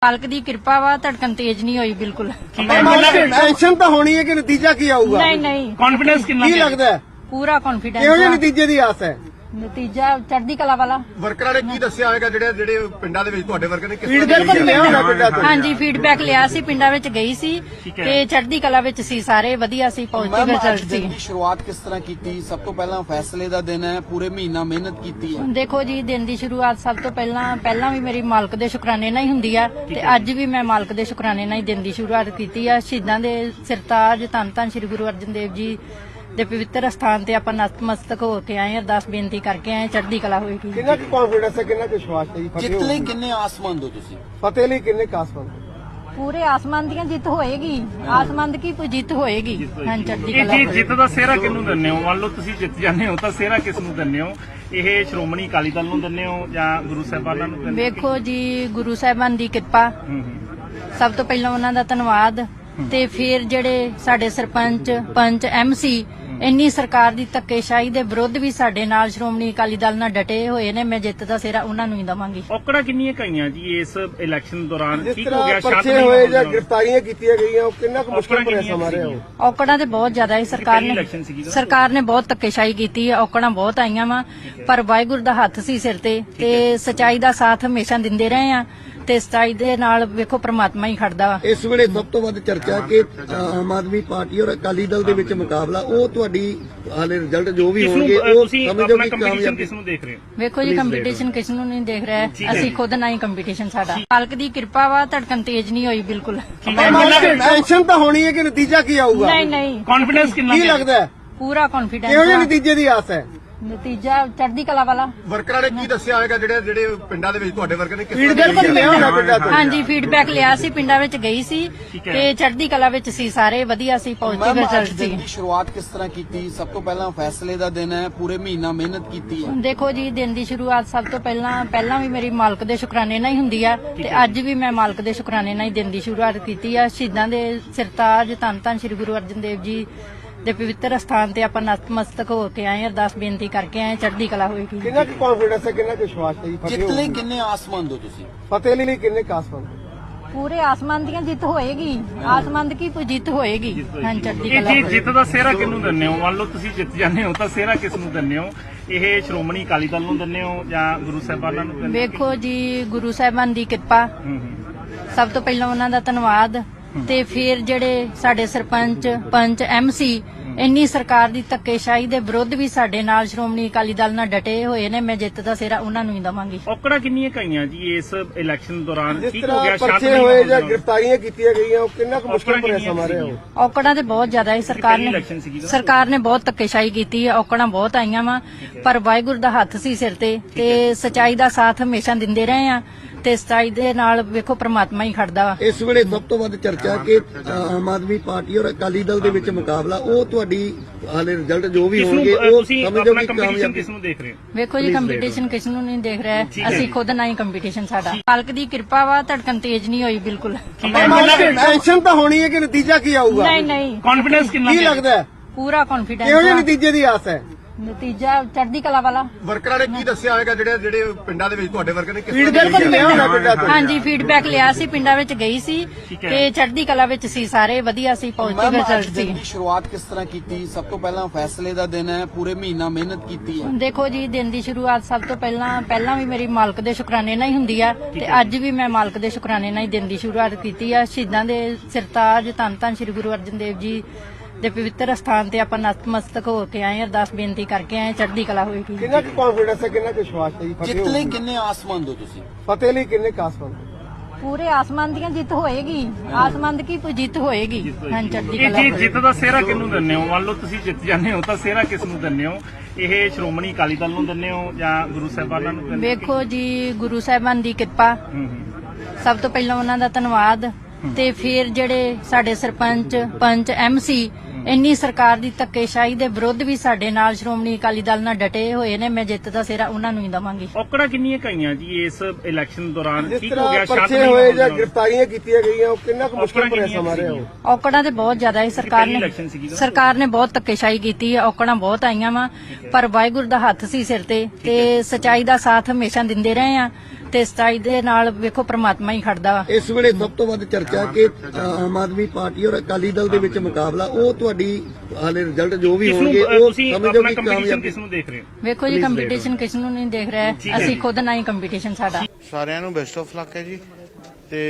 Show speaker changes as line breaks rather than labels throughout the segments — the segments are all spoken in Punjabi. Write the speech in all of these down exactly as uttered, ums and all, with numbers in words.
ਮਾਲਕ ਦੀ ਕਿਰਪਾ ਵਾ ਧੜਕਣ ਤੇਜ਼ ਨਹੀਂ ਹੋਈ ਬਿਲਕੁਲ।
ਟੈਨਸ਼ਨ ਤਾਂ ਹੋਣੀ ਹੈ ਕਿ ਨਤੀਜਾ ਕੀ ਆਊਗਾ?
ਨਹੀਂ ਨਹੀਂ
ਕੌਨਫੀਡੈਂਸ ਕਿੰਨਾ
ਕੀ ਲੱਗਦਾ ਹੈ?
ਪੂਰਾ ਕੌਨਫੀਡੈਂਸ।
ਕਿਹੋ ਜਿਹੇ ਨਤੀਜੇ ਦੀ ਆਸ ਹੈ?
ਨਤੀਜਾ ਚੜ੍ਹਦੀ ਕਲਾ ਵਾਲਾ।
ਵਰਕਰਾਂ ਨੇ ਕੀ ਦੱਸਿਆ ਹੋਵੇਗਾ ਜਿਹੜੇ ਜਿਹੜੇ ਪਿੰਡਾਂ ਦੇ ਵਿੱਚ ਤੁਹਾਡੇ ਵਰਕਰ ਨੇ ਕਿਸ ਤਰ੍ਹਾਂ
ਫੀਡਬੈਕ ਲਿਆ ਹੋਣਾ ਪਿੰਡਾਂ ਤੋਂ?
ਹਾਂਜੀ ਫੀਡਬੈਕ ਲਿਆ ਸੀ, ਪਿੰਡਾਂ ਵਿੱਚ ਗਈ ਸੀ ਤੇ ਚੜ੍ਹਦੀ ਕਲਾ ਵਿੱਚ ਸੀ, ਸਾਰੇ ਵਧੀਆ ਸੀ, ਪੋਜ਼ਿਟਿਵ ਰਿਜ਼ਲਟ ਸੀ।
ਸ਼ੁਰੂਆਤ ਕਿਸ ਤਰ੍ਹਾਂ ਕੀਤੀ? ਸਭ ਤੋਂ ਪਹਿਲਾਂ ਫੈਸਲੇ ਦਾ ਦਿਨ ਹੈ, ਪੂਰੇ ਮਹੀਨਾ ਮਿਹਨਤ ਕੀਤੀ ਹੈ।
ਦੇਖੋ ਜੀ, ਦਿਨ ਦੀ ਸ਼ੁਰੂਆਤ ਸਭ ਤੋਂ ਪਹਿਲਾਂ ਪਹਿਲਾਂ ਵੀ ਮੇਰੀ ਮਾਲਕ ਦੇ ਸ਼ੁਕਰਾਨੇ ਨਾਲ ਹੀ ਹੁੰਦੀ ਆ ਤੇ ਅੱਜ ਵੀ ਮੈਂ ਮਾਲਕ ਦੇ ਸ਼ੁਕਰਾਨੇ ਨਾਲ ਹੀ ਦਿਨ ਦੀ ਸ਼ੁਰੂਆਤ ਕੀਤੀ ਆ। ਸ਼ਹੀਦਾਂ ਦੇ ਸਿਰਤਾਜ ਧੰਨ ਧੰਨ ਸ੍ਰੀ ਗੁਰੂ ਅਰਜਨ ਦੇਵ ਜੀ ਦੇ ਪਵਿੱਤਰ ਸਥਾਨ ਤੇ ਆਪਾਂ ਨਤਮਸਤਕ ਹੋ ਕੇ ਆਏ, ਅਰਦਾਸ ਬੇਨਤੀ ਕਰਕੇ ਆਏ, ਚੜ੍ਹਦੀ ਕਲਾ ਹੋਏਗੀ।
ਕਿੰਨਾ ਕੁ ਕੌਨਫੀਡੈਂਸ ਹੈ, ਕਿੰਨਾ ਕੁ ਵਿਸ਼ਵਾਸ ਹੈ ਜੀ?
ਜਿੱਤ ਲਈ ਕਿੰਨੇ ਆਸਮੰਦ ਹੋ ਤੁਸੀਂ?
ਫਤਿਹ ਲਈ ਕਿੰਨੇ ਕਾਸਮੰਦ?
ਪੂਰੇ ਆਸਮਾਨ ਦੀਆਂ ਜਿੱਤ ਹੋਏਗੀ, ਆਸਮਾਨ ਦੀ ਕੀ ਜਿੱਤ ਹੋਏਗੀ। ਹਾਂ ਚੜ੍ਹਦੀ
ਇਹ
ਕਲਾ
ਜੀ
ਹੋਏਗੀ।
ਜਿੱਤ ਦਾ ਸਿਹਰਾ ਕਿਹਨੂੰ ਦਿੰਦੇ ਹੋ? ਮੰਨ ਲਓ ਤੁਸੀਂ ਜਿੱਤ ਜਾਂਦੇ ਹੋ ਤਾਂ ਸਿਹਰਾ ਕਿਸ ਨੂੰ ਦਿੰਦੇ ਹੋ? ਇਹ ਸ਼੍ਰੋਮਣੀ ਅਕਾਲੀ ਦਲ ਨੂੰ ਦਿੰਦੇ ਹੋ ਜਾਂ ਗੁਰੂ ਸਾਹਿਬਾਨਾਂ ਨੂੰ ਦਿੰਦੇ ਹੋ?
ਵੇਖੋ ਜੀ, ਗੁਰੂ ਸਾਹਿਬਾਨ ਦੀ ਕਿਰਪਾ,
ਹੂੰ ਹੂੰ।
ਸਭ ਤੋਂ ਪਹਿਲਾਂ ਉਹਨਾਂ ਦਾ ਧੰਨਵਾਦ ਤੇ ਫਿਰ ਜਿਹੜੇ ਸਾਡੇ ਸਰਪੰਚ ਪੰਚ ਐਮਸੀ ਇੰਨੀ ਸਰਕਾਰ ਦੀ ਧੱਕੇਸ਼ਾਹੀ ਦੇ ਵਿਰੁੱਧ ਵੀ ਸਾਡੇ ਨਾਲ ਸ਼੍ਰੋਮਣੀ ਅਕਾਲੀ ਦਲ ਨਾਲ ਡਟੇ ਹੋਏ ਨੇ। ਮੈਂ ਜਿੱਤ ਦਾ ਸਿਹਰਾ ਉਹਨਾਂ ਨੂੰ ਹੀ ਦਵਾਂਗੀ।
ਔਕੜਾਂ ਕਿੰਨੀਆਂ ਕਈਆਂ ਜੀ ਇਸ ਇਲੈਕਸ਼ਨ ਦੌਰਾਨ?
ਜਿਸ
ਠੀਕ ਹੋ
ਤਰ੍ਹਾਂ
ਗਿਆ, ਸ਼ਾਂਤ
ਪਰਚੇ
ਨਹੀਂ
ਹੋਏ ਜਾਂ
ਹੋਇਆ।
ਗ੍ਰਿਫਤਾਰੀਆਂ ਕੀਤੀਆਂ ਗਈਆਂ, ਉਹ ਕਿੰਨਾ ਕੁ ਮੁਸ਼ਕਲ ਭਰਿਆ
ਔਕੜਾਂ
ਸਮਾਂ ਰਿਹਾ ਉਹ?
ਔਕੜਾਂ ਤੇ ਬਹੁਤ ਜ਼ਿਆਦਾ ਹੈ। ਸਰਕਾਰ
ਪਹਿਲੀ
ਨੇ
ਇਲੈਕਸ਼ਨ ਸੀਗੀ ਨਾ?
ਸਰਕਾਰ ਨੇ ਬਹੁਤ ਧੱਕੇਸ਼ਾਹੀ ਕੀਤੀ ਹੈ, ਔਕੜਾਂ ਬਹੁਤ ਆਈਆਂ ਵਾ, ਪਰ ਵਾਹਿਗੁਰੂ ਦਾ ਹੱਥ ਸੀ ਸਿਰ ਤੇ ਤੇ ਸਚਾਈ ਦਾ ਸਾਥ ਹਮੇਸ਼ਾ ਦਿੰਦੇ ਰਹੇ ਆ ਤੇ ਸਚਾਈ ਦੇ ਨਾਲ ਵੇਖੋ ਪ੍ਰਮਾਤਮਾ ਹੀ ਖੜਦਾ ਵਾ।
ਇਸ ਵੇਲੇ ਸਭ ਤੋਂ ਵੱਧ ਚਰਚਾ ਕਿ ਆਮ ਆਦਮੀ ਪਾਰਟੀ ਔਰ ਅਕਾਲੀ ਦਲ ਦੇ ਵਿੱਚ ਮੁਕਾਬਲਾ, ਉਹ ਤੁਹਾਡੀ ਹਾਲੇ ਰਿਜ਼ਲਟ ਜੋ ਵੀ
ਕਿਸ ਨੂੰ
ਹੋਣਗੇ ਉਹ
ਤੁਸੀਂ
ਸਮਝੋ
ਆਪਣਾ
ਕਿ
ਕੰਪੀਟੀਸ਼ਨ
ਕਾਮਯਾਬ।
ਕਿਸ ਨੂੰ ਦੇਖ ਰਹੇ ਹੋ?
ਵੇਖੋ ਜੀ, ਕੰਪੀਟੀਸ਼ਨ ਕਿਸ ਨੂੰ ਨਹੀਂ ਦੇਖ ਰਿਹਾ, ਅਸੀਂ ਖੁਦ ਨਾਲ ਹੀ ਕੰਪੀਟੀਸ਼ਨ ਸਾਡਾ। ਮਾਲਕ ਦੀ ਕਿਰਪਾ ਵਾ ਧੜਕਣ ਤੇਜ਼ ਨਹੀਂ ਹੋਈ ਬਿਲਕੁਲ।
ਟੈਨਸ਼ਨ ਤਾਂ ਹੋਣੀ ਹੈ ਕਿ ਨਤੀਜਾ ਕੀ ਆਊਗਾ?
ਨਹੀਂ ਨਹੀਂ
ਕੌਨਫੀਡੈਂਸ ਕਿੰਨਾ
ਕੀ ਲੱਗਦਾ ਹੈ?
ਪੂਰਾ
ਕਿਹੋ ਜਿਹੇ
ਕੌਨਫੀਡੈਂਸ।
ਨਤੀਜੇ ਦੀ ਆਸ ਹੈ?
ਨਤੀਜਾ ਚੜ੍ਹਦੀ ਕਲਾ ਵਾਲਾ।
ਵਰਕਰਾਂ ਨੇ ਕੀ ਦੱਸਿਆ ਹੋਵੇਗਾ ਜਿਹੜੇ ਜਿਹੜੇ ਪਿੰਡਾਂ ਦੇ ਵਿੱਚ ਤੁਹਾਡੇ ਵਰਕਰ ਨੇ ਕਿਸ ਤਰ੍ਹਾਂ
ਫੀਡਬੈਕ ਲਿਆ ਹੋਣਾ ਪਿੰਡਾਂ ਤੋਂ?
ਹਾਂਜੀ ਫੀਡਬੈਕ ਲਿਆ ਸੀ, ਪਿੰਡਾਂ ਵਿੱਚ ਗਈ ਸੀ ਤੇ ਚੜ੍ਹਦੀ ਕਲਾ ਵਿੱਚ ਸੀ, ਸਾਰੇ ਵਧੀਆ ਸੀ, ਪੋਜ਼ਿਟਿਵ ਰਿਜ਼ਲਟ ਸੀ।
ਸ਼ੁਰੂਆਤ ਕਿਸ ਤਰ੍ਹਾਂ ਕੀਤੀ? ਸਭ ਤੋਂ ਪਹਿਲਾਂ ਫੈਸਲੇ ਦਾ ਦਿਨ ਹੈ, ਪੂਰੇ ਮਹੀਨਾ ਮਿਹਨਤ ਕੀਤੀ ਹੈ।
ਦੇਖੋ ਜੀ, ਦਿਨ ਦੀ ਸ਼ੁਰੂਆਤ ਸਭ ਤੋਂ ਪਹਿਲਾਂ ਪਹਿਲਾਂ ਵੀ ਮੇਰੀ ਮਾਲਕ ਦੇ ਸ਼ੁਕਰਾਨੇ ਨਾਲ ਹੀ ਹੁੰਦੀ ਆ ਤੇ ਅੱਜ ਵੀ ਮੈਂ ਮਾਲਕ ਦੇ ਸ਼ੁਕਰਾਨੇ ਨਾਲ ਹੀ ਦਿਨ ਦੀ ਸ਼ੁਰੂਆਤ ਕੀਤੀ ਆ। ਸ਼ਹੀਦਾਂ ਦੇ ਸਿਰਤਾਜ ਧੰਨ ਧੰਨ ਸ੍ਰੀ ਗੁਰੂ ਅਰਜਨ ਦੇਵ ਜੀ ਦੇ ਪਵਿੱਤਰ ਸਥਾਨ ਤੇ ਆਪਾਂ ਨਤਮਸਤਕ ਹੋ ਕੇ ਆਏ, ਅਰਦਾਸ ਬੇਨਤੀ ਕਰਕੇ ਆਏ, ਚੜ੍ਹਦੀ ਕਲਾ ਹੋਏਗੀ।
ਕਿੰਨਾ ਕੁ ਕੌਨਫੀਡੈਂਸ ਹੈ, ਕਿੰਨਾ ਕੁ ਵਿਸ਼ਵਾਸ ਹੈ ਜੀ?
ਜਿੱਤ ਲਈ ਕਿੰਨੇ ਆਸਮੰਦ ਹੋ ਤੁਸੀਂ?
ਫਤਿਹ ਲਈ ਕਿੰਨੇ ਕਾਸਮੰਦ?
ਪੂਰੇ ਆਸਮਾਨ ਦੀਆਂ ਜਿੱਤ ਹੋਏਗੀ, ਆਸਮਾਨ ਦੀ ਕੀ ਜਿੱਤ ਹੋਏਗੀ। ਹਾਂ ਚੜ੍ਹਦੀ
ਇਹ
ਕਲਾ
ਜੀ
ਹੋਏਗੀ।
ਜਿੱਤ ਦਾ ਸਿਹਰਾ ਕਿਹਨੂੰ ਦਿੰਦੇ ਹੋ? ਮੰਨ ਲਓ ਤੁਸੀਂ ਜਿੱਤ ਜਾਂਦੇ ਹੋ ਤਾਂ ਸਿਹਰਾ ਕਿਸ ਨੂੰ ਦਿੰਦੇ ਹੋ? ਇਹ ਸ਼੍ਰੋਮਣੀ ਅਕਾਲੀ ਦਲ ਨੂੰ ਦਿੰਦੇ ਹੋ ਜਾਂ ਗੁਰੂ ਸਾਹਿਬਾਨਾਂ ਨੂੰ ਦਿੰਦੇ ਹੋ?
ਵੇਖੋ ਜੀ, ਗੁਰੂ ਸਾਹਿਬਾਨ ਦੀ ਕਿਰਪਾ,
ਹੂੰ ਹੂੰ।
ਸਭ ਤੋਂ ਪਹਿਲਾਂ ਉਹਨਾਂ ਦਾ ਧੰਨਵਾਦ ਤੇ ਫਿਰ ਜਿਹੜੇ ਸਾਡੇ ਸਰਪੰਚ ਪੰਚ ਐਮਸੀ ਇੰਨੀ ਸਰਕਾਰ ਦੀ ਧੱਕੇਸ਼ਾਹੀ ਦੇ ਵਿਰੁੱਧ ਵੀ ਸਾਡੇ ਨਾਲ ਸ਼੍ਰੋਮਣੀ ਅਕਾਲੀ ਦਲ ਨਾਲ ਡਟੇ ਹੋਏ ਨੇ। ਮੈਂ ਜਿੱਤ ਦਾ ਸਿਹਰਾ ਉਹਨਾਂ ਨੂੰ ਹੀ ਦਵਾਂਗੀ।
ਔਕੜਾਂ ਕਿੰਨੀਆਂ ਕਈਆਂ ਜੀ ਇਸ ਇਲੈਕਸ਼ਨ ਦੌਰਾਨ?
ਜਿਸ
ਠੀਕ ਹੋ ਗਿਆ,
ਤਰ੍ਹਾਂ
ਸ਼ਾਂਤ
ਪਰਚੇ
ਨਹੀਂ
ਹੋਏ ਜਾਂ
ਹੋਇਆ।
ਗ੍ਰਿਫਤਾਰੀਆਂ ਕੀਤੀਆਂ ਗਈਆਂ, ਉਹ ਕਿੰਨਾ ਕੁ ਮੁਸ਼ਕਲ
ਔਕੜਾਂ
ਭਰਿਆ
ਕਿੰਨੀਆਂ
ਸਮਾਂ ਰਿਹਾ ਉਹ?
ਔਕੜਾਂ ਤੇ ਬਹੁਤ ਜ਼ਿਆਦਾ ਹੈ। ਸਰਕਾਰ
ਪਹਿਲੀ
ਨੇ
ਇਲੈਕਸ਼ਨ ਸੀਗੀ ਨਾ?
ਸਰਕਾਰ ਨੇ ਬਹੁਤ ਧੱਕੇਸ਼ਾਹੀ ਕੀਤੀ ਹੈ, ਔਕੜਾਂ ਬਹੁਤ ਆਈਆਂ ਵਾ, ਪਰ ਵਾਹਿਗੁਰੂ ਦਾ ਹੱਥ ਸੀ ਸਿਰ ਤੇ ਤੇ ਸਚਾਈ ਦਾ ਸਾਥ ਹਮੇਸ਼ਾ ਦਿੰਦੇ ਰਹੇ ਆ ਤੇ ਸਚਾਈ ਦੇ ਨਾਲ ਵੇਖੋ ਪ੍ਰਮਾਤਮਾ ਹੀ ਖੜਦਾ ਵਾ।
ਇਸ ਵੇਲੇ ਸਭ ਤੋਂ ਵੱਧ ਚਰਚਾ ਕਿ ਆਮ ਆਦਮੀ ਪਾਰਟੀ ਔਰ ਅਕਾਲੀ ਦਲ ਦੇ ਵਿੱਚ ਮੁਕਾਬਲਾ, ਉਹ ਤੁਹਾਡੀ ਹਾਲੇ ਰਿਜ਼ਲਟ ਜੋ ਵੀ
ਕਿਸ ਨੂੰ
ਹੋਣਗੇ ਉਹ
ਤੁਸੀਂ
ਸਮਝੋ
ਆਪਣਾ
ਕਿ
ਕੰਪੀਟੀਸ਼ਨ
ਕਾਮਯਾਬ।
ਕਿਸ ਨੂੰ ਦੇਖ ਰਹੇ ਹੋ?
ਵੇਖੋ ਜੀ, ਕੰਪੀਟੀਸ਼ਨ ਕਿਸ ਨੂੰ ਨਹੀਂ ਦੇਖ ਰਿਹਾ,
ਠੀਕ ਹੈ
ਅਸੀਂ
ਜੀ।
ਖੁਦ ਨਾਲ ਹੀ ਕੰਪੀਟੀਸ਼ਨ ਸਾਡਾ। ਮਾਲਕ ਦੀ ਕਿਰਪਾ ਵਾ ਧੜਕਣ ਤੇਜ਼ ਨਹੀਂ ਹੋਈ ਬਿਲਕੁਲ।
ਟੈਨਸ਼ਨ ਤਾਂ ਹੋਣੀ ਹੈ ਕਿ ਨਤੀਜਾ ਕੀ ਆਊਗਾ?
ਨਹੀਂ ਨਹੀਂ
ਕੌਨਫੀਡੈਂਸ ਕਿੰਨਾ?
ਕੀ ਲੱਗਦਾ ਹੈ?
ਪੂਰਾ
ਕਿਹੋ ਜਿਹੇ
ਕੌਨਫੀਡੈਂਸ।
ਨਤੀਜੇ ਦੀ ਆਸ ਹੈ?
ਨਤੀਜਾ ਚੜ੍ਹਦੀ ਕਲਾ ਵਾਲਾ।
ਵਰਕਰਾਂ ਨੇ ਕੀ ਦੱਸਿਆ ਹੋਵੇਗਾ ਜਿਹੜੇ ਜਿਹੜੇ ਪਿੰਡਾਂ ਦੇ ਵਿੱਚ ਤੁਹਾਡੇ ਵਰਕਰ ਨੇ ਕਿਸ ਤਰ੍ਹਾਂ
ਫੀਡਬੈਕ ਲਿਆ ਹੋਣਾ ਪਿੰਡਾਂ ਤੋਂ?
ਹਾਂਜੀ ਫੀਡਬੈਕ ਲਿਆ ਸੀ, ਪਿੰਡਾਂ ਵਿੱਚ ਗਈ ਸੀ ਤੇ ਚੜ੍ਹਦੀ ਕਲਾ ਵਿੱਚ ਸੀ, ਸਾਰੇ ਵਧੀਆ ਸੀ, ਪੋਜ਼ਿਟਿਵ ਰਿਜ਼ਲਟ ਸੀ।
ਸ਼ੁਰੂਆਤ ਕਿਸ ਤਰ੍ਹਾਂ ਕੀਤੀ? ਸਭ ਤੋਂ ਪਹਿਲਾਂ ਫੈਸਲੇ ਦਾ ਦਿਨ ਹੈ, ਪੂਰੇ ਮਹੀਨਾ ਮਿਹਨਤ ਕੀਤੀ ਹੈ।
ਦੇਖੋ ਜੀ, ਦਿਨ ਦੀ ਸ਼ੁਰੂਆਤ ਸਭ ਤੋਂ ਪਹਿਲਾਂ ਪਹਿਲਾਂ ਵੀ ਮੇਰੀ ਮਾਲਕ ਦੇ ਸ਼ੁਕਰਾਨੇ ਨਾਲ ਹੀ ਹੁੰਦੀ ਆ ਤੇ ਅੱਜ ਵੀ ਮੈਂ ਮਾਲਕ ਦੇ ਸ਼ੁਕਰਾਨੇ ਨਾਲ ਹੀ ਦਿਨ ਦੀ ਸ਼ੁਰੂਆਤ ਕੀਤੀ ਆ। ਸ਼ਹੀਦਾਂ ਦੇ ਸਿਰਤਾਜ ਧੰਨ ਧੰਨ ਸ੍ਰੀ ਗੁਰੂ ਅਰਜਨ ਦੇਵ ਜੀ ਦੇ ਪਵਿੱਤਰ ਸਥਾਨ ਤੇ ਆਪਾਂ ਨਤਮਸਤਕ ਹੋ ਕੇ ਆਏ, ਅਰਦਾਸ ਬੇਨਤੀ ਕਰਕੇ ਆਏ, ਚੜ੍ਹਦੀ ਕਲਾ ਹੋਏਗੀ।
ਕਿੰਨਾ ਕੁ ਕੌਨਫੀਡੈਂਸ ਹੈ, ਕਿੰਨਾ ਕੁ ਵਿਸ਼ਵਾਸ ਹੈ ਜੀ?
ਜਿੱਤ ਲਈ ਕਿੰਨੇ ਆਸਮੰਦ ਹੋ ਤੁਸੀਂ?
ਫਤਿਹ ਲਈ ਕਿੰਨੇ ਕਾਸਮੰਦ?
ਪੂਰੇ ਆਸਮਾਨ ਦੀਆਂ ਜਿੱਤ ਹੋਏਗੀ, ਆਸਮਾਨ ਦੀ ਕੀ ਜਿੱਤ ਹੋਏਗੀ। ਹਾਂ ਚੜ੍ਹਦੀ
ਇਹ
ਕਲਾ
ਜੀ
ਹੋਏਗੀ।
ਜਿੱਤ ਦਾ ਸਿਹਰਾ ਕਿਹਨੂੰ ਦਿੰਦੇ ਹੋ? ਮੰਨ ਲਓ ਤੁਸੀਂ ਜਿੱਤ ਜਾਂਦੇ ਹੋ ਤਾਂ ਸਿਹਰਾ ਕਿਸ ਨੂੰ ਦਿੰਦੇ ਹੋ? ਇਹ ਸ਼੍ਰੋਮਣੀ ਅਕਾਲੀ ਦਲ ਨੂੰ ਦਿੰਦੇ ਹੋ ਜਾਂ ਗੁਰੂ ਸਾਹਿਬਾਨਾਂ ਨੂੰ ਦਿੰਦੇ ਹੋ?
ਵੇਖੋ ਜੀ, ਗੁਰੂ ਸਾਹਿਬਾਨ ਦੀ ਕਿਰਪਾ,
ਹੂੰ ਹੂੰ।
ਸਭ ਤੋਂ ਪਹਿਲਾਂ ਉਹਨਾਂ ਦਾ ਧੰਨਵਾਦ ਤੇ ਫਿਰ ਜਿਹੜੇ ਸਾਡੇ ਸਰਪੰਚ ਪੰਚ ਐਮਸੀ ਇੰਨੀ ਸਰਕਾਰ ਦੀ ਧੱਕੇਸ਼ਾਹੀ ਦੇ ਵਿਰੁੱਧ ਵੀ ਸਾਡੇ ਨਾਲ ਸ਼੍ਰੋਮਣੀ ਅਕਾਲੀ ਦਲ ਨਾਲ ਡਟੇ ਹੋਏ ਨੇ। ਮੈਂ ਜਿੱਤ ਦਾ ਸਿਹਰਾ ਉਹਨਾਂ ਨੂੰ ਹੀ ਦਵਾਂਗੀ।
ਔਕੜਾਂ ਕਿੰਨੀਆਂ ਕਈਆਂ ਜੀ ਇਸ ਇਲੈਕਸ਼ਨ ਦੌਰਾਨ?
ਜਿਸ
ਠੀਕ ਹੋ ਗਿਆ,
ਤਰ੍ਹਾਂ
ਸ਼ਾਂਤ
ਪਰਚੇ
ਨਹੀਂ
ਹੋਏ ਜਾਂ
ਹੋਇਆ।
ਗ੍ਰਿਫਤਾਰੀਆਂ ਕੀਤੀਆਂ ਗਈਆਂ, ਉਹ ਕਿੰਨਾ ਕੁ ਮੁਸ਼ਕਲ
ਔਕੜਾਂ
ਭਰਿਆ
ਕਿੰਨੀਆਂ
ਸਮਾਂ ਰਿਹਾ ਉਹ?
ਔਕੜਾਂ ਤੇ ਬਹੁਤ ਜ਼ਿਆਦਾ ਹੈ। ਸਰਕਾਰ
ਪਹਿਲੀ
ਨੇ
ਇਲੈਕਸ਼ਨ ਸੀਗੀ ਨਾ?
ਸਰਕਾਰ ਨੇ ਬਹੁਤ ਧੱਕੇਸ਼ਾਹੀ ਕੀਤੀ ਹੈ, ਔਕੜਾਂ ਬਹੁਤ ਆਈਆਂ ਵਾ, ਪਰ ਵਾਹਿਗੁਰੂ ਦਾ ਹੱਥ ਸੀ ਸਿਰ ਤੇ ਤੇ ਸਚਾਈ ਦਾ ਸਾਥ ਹਮੇਸ਼ਾ ਦਿੰਦੇ ਰਹੇ ਆ ਤੇ ਸਤਾਈ ਦੇ ਨਾਲ ਵੇਖੋ ਪ੍ਰਮਾਤਮਾ ਹੀ ਖੜਦਾ ਵਾ।
ਇਸ ਵੇਲੇ ਸਭ ਤੋਂ ਵੱਧ ਚਰਚਾ ਕਿ ਆਮ ਆਦਮੀ ਪਾਰਟੀ ਔਰ ਅਕਾਲੀ ਦਲ ਦੇ ਵਿੱਚ ਮੁਕਾਬਲਾ, ਉਹ ਤੁਹਾਡੀ ਹਾਲੇ ਰਿਜ਼ਲਟ ਜੋ ਵੀ
ਕਿਸ ਨੂੰ
ਹੋਣਗੇ
ਅ,
ਉਹ
ਤੁਸੀਂ
ਸਮਝੋ
ਆਪਣਾ
ਕਿ
ਕੰਪੀਟੀਸ਼ਨ
ਕਾਮਯਾਬ
ਕਿਸ ਨੂੰ ਦੇਖ ਰਹੇ ਹੋ?
ਵੇਖੋ ਜੀ ਕੰਪੀਟੀਸ਼ਨ ਕਿਸ ਨੂੰ ਨਹੀਂ ਦੇਖ ਰਿਹਾ ਹੈ। ਅਸੀਂ ਖੁਦ ਨਾਲ ਹੀ ਕੰਪੀਟੀਸ਼ਨ ਸਾਡਾ।
ਸਾਰਿਆਂ ਨੂੰ ਬੈਸਟ ਆਫ ਲੱਕ ਹੈ ਜੀ, ਤੇ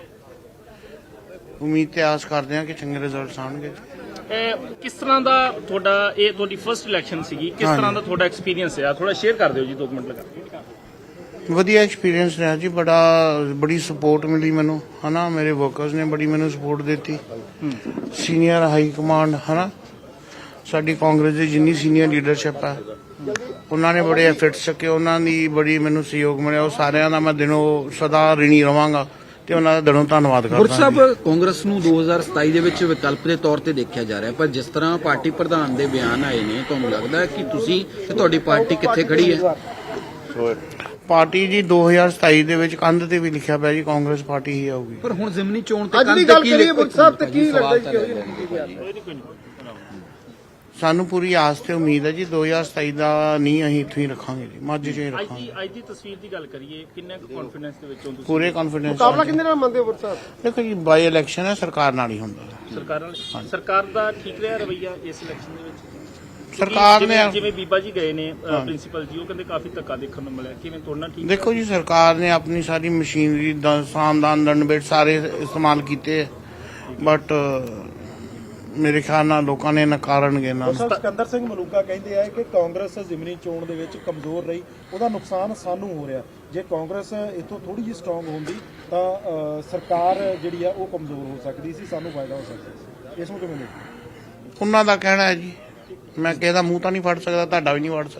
ਉਮੀਦ ਤੇ ਆਸ ਕਰਦੇ ਹਾਂ ਕਿ ਚੰਗੇ ਰਿਜ਼ਲਟਸ ਆਉਣਗੇ।
ਇਹ ਕਿਸ ਤਰ੍ਹਾਂ ਦਾ ਤੁਹਾਡਾ, ਇਹ ਤੁਹਾਡੀ ਫਰਸਟ ਇਲੈਕਸ਼ਨ ਸੀਗੀ, ਕਿਸ ਤਰ੍ਹਾਂ ਦਾ ਤੁਹਾਡਾ ਐਕਸਪੀਰੀਅੰਸ ਰਿਹਾ? ਥੋੜਾ ਸ਼ੇਅਰ ਕਰ ਦਿਓ ਜੀ, ਦੋ ਮਿੰਟ ਲਗਾ।
ਵਧੀਆ ਐਕਸਪੀਰੀਅੰਸ ਰਿਹਾ ਜੀ, ਬੜਾ ਬੜੀ ਸਪੋਰਟ ਮਿਲੀ ਮੈਨੂੰ, ਹਨਾ। ਮੇਰੇ ਵਰਕਰਸ ਨੇ ਬੜੀ ਮੈਨੂੰ ਸਪੋਰਟ ਦਿੱਤੀ, ਸੀਨੀਅਰ ਹਾਈ ਕਮਾਂਡ, ਹਨਾ। ਸਾਡੀ ਕਾਂਗਰਸ ਦੀ ਜਿੰਨੀ ਸੀਨੀਅਰ ਲੀਡਰਸ਼ਿਪ ਹੈ ਉਹਨਾਂ ਨੇ ਬੜੇ ਐਫਰਟਸ ਚੱਕੇ, ਉਹਨਾਂ ਦੀ ਬੜੀ ਮੈਨੂੰ ਸਹਿਯੋਗ ਮਿਲਿਆ। ਉਹ ਸਾਰਿਆਂ ਦਾ ਮੈਂ ਦਿਨੋਂ ਸਦਾ ਰਿਣੀ ਰਵਾਂਗਾ ਤੇ ਉਹਨਾਂ ਦਾ ਦਿਲੋਂ ਧੰਨਵਾਦ
ਗੁਰ
ਕਰਦਾ।
ਸਾਹਿਬ, ਕਾਂਗਰਸ ਨੂੰ ਦੋ ਹਜ਼ਾਰ ਸਤਾਈ ਦੇ ਵਿੱਚ ਵਿਕਲਪ ਦੇ ਤੌਰ ਤੇ ਦੇਖਿਆ ਜਾ ਰਿਹਾ, ਪਰ ਜਿਸ ਤਰ੍ਹਾਂ ਪਾਰਟੀ ਪ੍ਰਧਾਨ ਦੇ ਬਿਆਨ ਆਏ ਨੇ, ਤੁਹਾਨੂੰ ਲੱਗਦਾ ਹੈ ਕਿ ਤੁਸੀਂ ਤੇ ਤੁਹਾਡੀ ਪਾਰਟੀ ਕਿੱਥੇ ਖੜੀ ਹੈ?
ਪਾਰਟੀ ਜੀ ਦੋ ਹਜ਼ਾਰ ਸਤਾਈ ਦੇ ਵਿੱਚ ਕੰਧ ਤੇ ਵੀ ਲਿਖਿਆ ਪਿਆ ਜੀ ਕਾਂਗਰਸ ਪਾਰਟੀ ਹੀ ਆਊਗੀ।
ਪਰ ਹੁਣ ਜ਼ਿਮਨੀ ਚੋਣ ਤੇ
ਅੱਜ ਦੀ ਗੱਲ ਕਰੀਏ ਮੁੱਖ ਸਾਹਿਬ ਤੇ ਕੀ ਲੱਗਦਾ ਜੀ?
ਸਾਨੂੰ ਪੂਰੀ ਆਸ ਤੇ ਉਮੀਦ ਹੈ ਜੀ ਦੋ ਹਜ਼ਾਰ ਸਤਾਈ ਦਾ ਨਹੀਂ ਅਸੀਂ ਇੱਥੇ ਹੀ ਰੱਖਾਂਗੇ ਜੀ, ਮਾਝੇ 'ਚ ਹੀ
ਅੱਜ ਦੀ
ਰੱਖਾਂਗੇ।
ਅੱਜ ਦੀ ਤਸਵੀਰ ਦੀ ਗੱਲ ਕਰੀਏ, ਕਿੰਨਾ ਕੁ ਕੌਨਫੀਡੈਂਸ ਦੇ ਵਿੱਚ ਹੋ ਤੁਸੀਂ?
ਪੂਰੇ ਕੌਨਫੀਡੈਂਸ।
ਮੁਕਾਬਲਾ ਕਿੰਨੇ ਨਾਲ ਮੰਨਦੇ ਹੋ ਗੁਰ ਸਾਹਿਬ?
ਦੇਖੋ ਜੀ, ਬਾਈ ਇਲੈਕਸ਼ਨ ਹੈ, ਸਰਕਾਰ ਨਾਲ ਹੀ ਹੁੰਦਾ ਹੈ।
ਸਰਕਾਰ ਨਾਲ ਸਰਕਾਰ ਦਾ ਠੀਕ ਰਿਹਾ ਰਵੱਈਆ ਇਸ ਇਲੈਕਸ਼ਨ ਦੇ ਵਿੱਚ?
ਸਰਕਾਰ ਨੇ
ਜਿਵੇਂ- ਜਿਵੇਂ ਬੀਬਾ ਜੀ ਗਏ ਨੇ ਪ੍ਰਿੰਸੀਪਲ ਜੀ, ਉਹ ਕਹਿੰਦੇ ਕਾਫੀ ਧੱਕਾ ਦੇਖਣ ਨੂੰ ਮਿਲਿਆ, ਕਿਵੇਂ ਤੋੜਨਾ ਠੀਕ?
ਦੇਖੋ ਜੀ, ਸਰਕਾਰ ਨੇ ਆਪਣੀ ਸਾਰੀ ਮਸ਼ੀਨਰੀ ਦਾ ਸਾਮਦਾਨ ਦੰਡਬੇਟ ਸਾਰੇ ਇਸਤੇਮਾਲ ਕੀਤੇ, ਬਟ ਮੇਰੇ ਖਿਆਲ ਨਾਲ ਲੋਕਾਂ ਨੇ ਨਕਾਰਨਗੇ ਨਾ।
ਸਿਕੰਦਰ ਸਿੰਘ ਮਲੂਕਾ ਕਹਿੰਦੇ ਆ ਕਿ ਕਾਂਗਰਸ ਜ਼ਿਮਨੀ ਚੋਣ ਦੇ ਵਿੱਚ ਕਮਜ਼ੋਰ ਰਹੀ, ਉਹਦਾ ਨੁਕਸਾਨ ਸਾਨੂੰ ਹੋ ਰਿਹਾ। ਜੇ ਕਾਂਗਰਸ ਇਥੋਂ ਥੋੜੀ ਜਿਹੀ ਸਟਰੋਂਗ ਹੁੰਦੀ ਤਾਂ ਅ, ਸਰਕਾਰ ਜਿਹੜੀ ਆ ਉਹ ਕਮਜ਼ੋਰ ਹੋ ਸਕਦੀ ਸੀ, ਸਾਨੂੰ ਫਾਇਦਾ ਹੋ ਸਕਦਾ ਸੀ। ਇਸ ਨੂੰ ਕਿਵੇਂ ਦੇਖਦੇ?
ਉਹਨਾਂ ਦਾ ਕਹਿਣਾ ਹੈ ਜੀ, ਮੈਂ ਕਿਸੇ ਦਾ ਮੂੰਹ ਤਾਂ ਨਹੀਂ ਫੜ ਸਕਦਾ, ਤੁਹਾਡਾ ਵੀ ਨਹੀਂ ਫੜ ਸਕਦਾ।